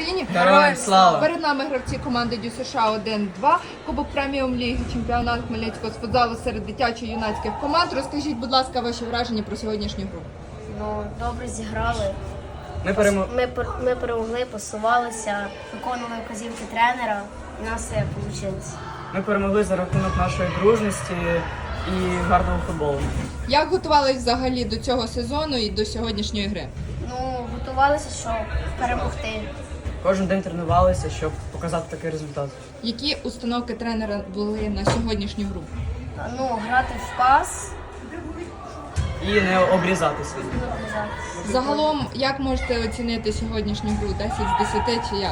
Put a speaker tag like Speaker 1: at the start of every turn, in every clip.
Speaker 1: Україні!
Speaker 2: Героям слава!
Speaker 1: Перед нами гравці команди Дю США 1-2, Кубок преміум ліги, чемпіонат Хмельницького з футзалу серед дитячо-юнацьких команд. Розкажіть, будь ласка, ваші враження про сьогоднішню гру.
Speaker 3: Ну, добре зіграли.
Speaker 2: Ми
Speaker 3: перемогли, посувалися, виконували вказівки тренера, і у нас все вийшло.
Speaker 2: Ми перемогли за рахунок нашої дружності і гарного футболу.
Speaker 1: Як готувались взагалі до цього сезону і до сьогоднішньої гри?
Speaker 3: Ну, готувалися, щоб перемогти.
Speaker 2: Кожен день тренувалися, щоб показати такий результат.
Speaker 1: Які установки тренера були на сьогоднішню гру?
Speaker 3: Ну, грати в пас.
Speaker 2: І не обрізатися.
Speaker 1: Загалом, як можете оцінити сьогоднішню гру? 10 з 10 чи як?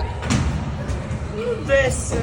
Speaker 2: Десь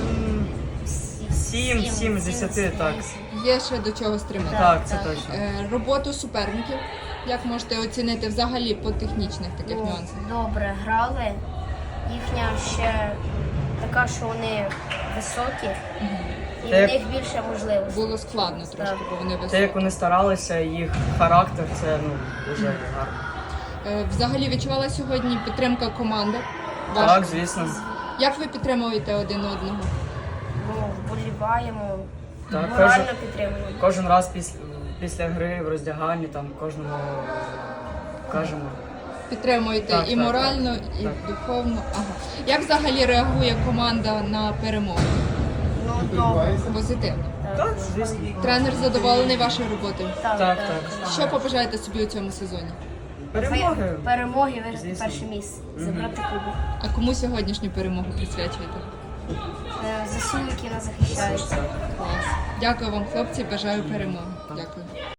Speaker 2: 7 з 10, так.
Speaker 1: Є ще до чого стримати?
Speaker 2: Так, це точно.
Speaker 1: Роботу суперників. Як можете оцінити взагалі по технічних таких нюансах?
Speaker 3: Добре грали. Їхня ще така, що вони високі, і в них більше можливостей.
Speaker 1: Було складно трошки, бо вони
Speaker 2: Те,
Speaker 1: високі.
Speaker 2: як вони старалися, їх характер, це дуже гарно.
Speaker 1: Взагалі відчувала сьогодні підтримка команди?
Speaker 2: Так, звісно.
Speaker 1: Як ви підтримуєте один одного?
Speaker 3: Ну, вболіваємо,
Speaker 2: Так,
Speaker 3: морально підтримуємо.
Speaker 2: Кожен раз після гри в роздяганні там кожному кажемо.
Speaker 1: Підтримуєте
Speaker 2: Так,
Speaker 1: і
Speaker 2: так,
Speaker 1: морально,
Speaker 2: так.
Speaker 1: і
Speaker 2: Так.
Speaker 1: духовно. Ага. Як взагалі реагує команда на перемогу?
Speaker 3: Ну, добре.
Speaker 1: Позитивно.
Speaker 2: Так, звісно.
Speaker 1: Тренер задоволений вашою роботою.
Speaker 2: Так.
Speaker 1: Що побажаєте собі у цьому сезоні?
Speaker 2: Перемоги.
Speaker 3: Перемоги виграти
Speaker 2: Звісно.
Speaker 3: перше місце, забрати кубок.
Speaker 1: А кому сьогоднішню перемогу присвячуєте?
Speaker 3: ЗСУ, які нас захищають.
Speaker 1: Клас. Дякую вам, хлопці, бажаю перемоги.